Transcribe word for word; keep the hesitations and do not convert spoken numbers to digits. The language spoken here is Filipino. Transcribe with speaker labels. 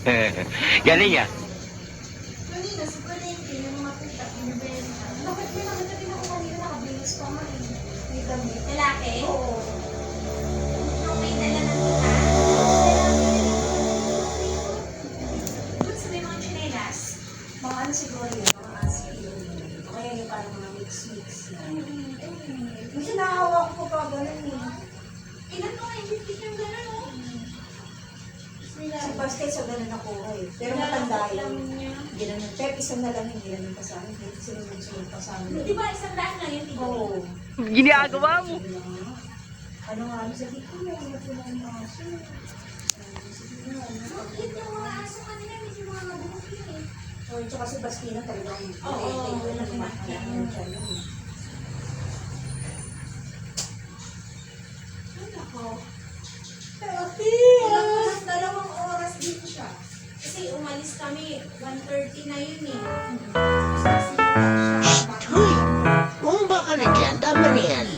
Speaker 1: Galing ah.
Speaker 2: Kanina, sa palengke, yung mga puta, binibenta. Bakit may nakita din ako kanina nakabilis pa nga eh. May damit.
Speaker 3: Lalaki?
Speaker 2: Oo.
Speaker 3: Yung may dala ng tita? Ba't sabi mga chinelas?
Speaker 2: Mga ano siguro yun, mga aski yun. O kaya yung parang mga mix-mix na. Kasi nahawak ko pa ganun eh.
Speaker 3: Ilan mo nga yung yung gano'n, no?
Speaker 2: Si Basket sa ganun ako eh. Pero matanda yun. Ginanong. Pero isang na lang yung ginanong pa sa akin. Hindi sinunod-sunod pa sa amin.
Speaker 3: Di ba isang daan lang yun, tito?
Speaker 2: Oo.
Speaker 1: Ginagawa mo.
Speaker 2: Ano nga, ano sabi ko, may mga pinang aso.
Speaker 3: Ang cute yung mga aso kanila, medyo mga mabuhok yun eh.
Speaker 2: O, tsaka si Bastina talagang.
Speaker 3: Oo,
Speaker 2: wala
Speaker 3: wala pinakita. Ay, nako.
Speaker 2: Ate!
Speaker 3: Dalawang, dalawang oras din siya. Kasi umalis kami, one thirty na yun eh.
Speaker 1: Hoy! Kung baka nagyan, tama na yan.